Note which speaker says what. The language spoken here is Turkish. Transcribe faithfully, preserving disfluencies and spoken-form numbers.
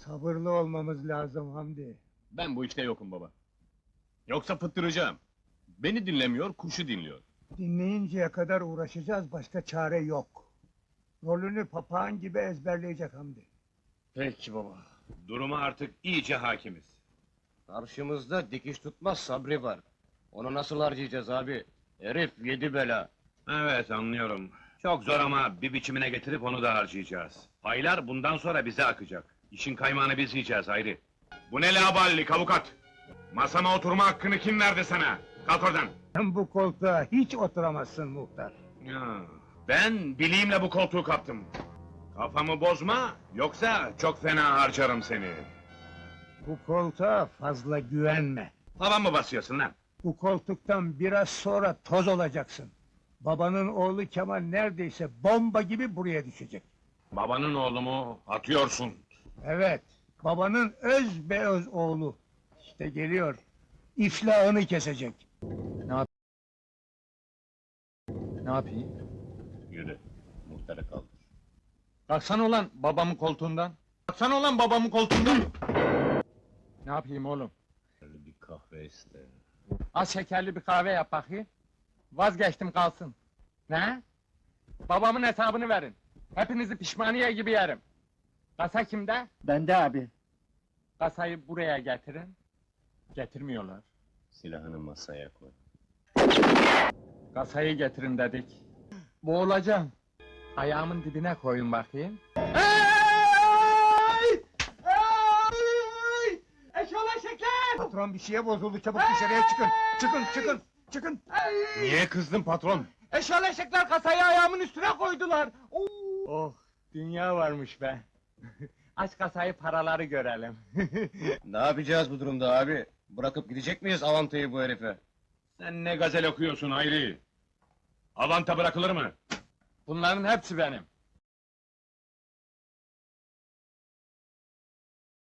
Speaker 1: Sabırlı olmamız lazım Hamdi.
Speaker 2: Ben bu işte yokum baba. Yoksa fıttıracağım. Beni dinlemiyor, kuşu dinliyor.
Speaker 1: Dinleyinceye kadar uğraşacağız, başka çare yok. Rolünü papağan gibi ezberleyecek Hamdi.
Speaker 2: Peki baba. Duruma artık iyice hakimiz.
Speaker 3: Karşımızda dikiş tutmaz Sabri var. Onu nasıl harcayacağız abi? Herif yedi bela.
Speaker 4: Evet, anlıyorum. Çok zor ama bir biçimine getirip onu da harcayacağız. Paylar bundan sonra bize akacak. İşin kaymağını biz yiyeceğiz Hayri. Bu ne laballik avukat? Masama oturma hakkını kim verdi sana? Kalk oradan!
Speaker 1: Sen bu koltuğa hiç oturamazsın muhtar.
Speaker 4: Ya, ben bileğimle bu koltuğu kaptım. Kafamı bozma, yoksa çok fena harcarım seni.
Speaker 1: Bu koltuğa fazla güvenme.
Speaker 4: Hava mı basıyorsun lan?
Speaker 1: Bu koltuktan biraz sonra toz olacaksın. Babanın oğlu Kemal neredeyse bomba gibi buraya düşecek.
Speaker 4: Babanın oğlu mu? Atıyorsun.
Speaker 1: Evet, babanın öz be öz oğlu. İşte geliyor. İflahını kesecek.
Speaker 5: Ne yapayım?
Speaker 2: Yürü, muhtarı kaldır.
Speaker 5: Kalksana ulan babamın koltuğundan. Kalksana ulan babamın koltuğundan. Ne yapayım oğlum?
Speaker 2: Şöyle bir kahve iste.
Speaker 5: Az şekerli bir kahve yap bakayım. Vazgeçtim kalsın. Ne? Babamın hesabını verin. Hepinizi pişmaniye gibi yerim. Kasa kimde?
Speaker 1: Bende abi.
Speaker 5: Kasayı buraya getirin. Getirmiyorlar.
Speaker 2: Silahını masaya koy.
Speaker 5: Kasayı getirin dedik. Boğulacağım. Ayağımın dibine koyun bakayım.
Speaker 1: Patron bir şeye bozuldu, çabuk dışarıya çıkın. Çıkın, çıkın, çıkın.
Speaker 2: Niye kızdın patron?
Speaker 5: Eşyal eşekler kasayı ayağımın üstüne koydular. Oh, dünya varmış be. Aç kasayı, paraları görelim.
Speaker 3: Ne yapacağız bu durumda abi? Bırakıp gidecek miyiz avantayı bu herife?
Speaker 4: Sen ne gazel okuyorsun Hayri? Avanta bırakılır mı?
Speaker 5: Bunların hepsi benim.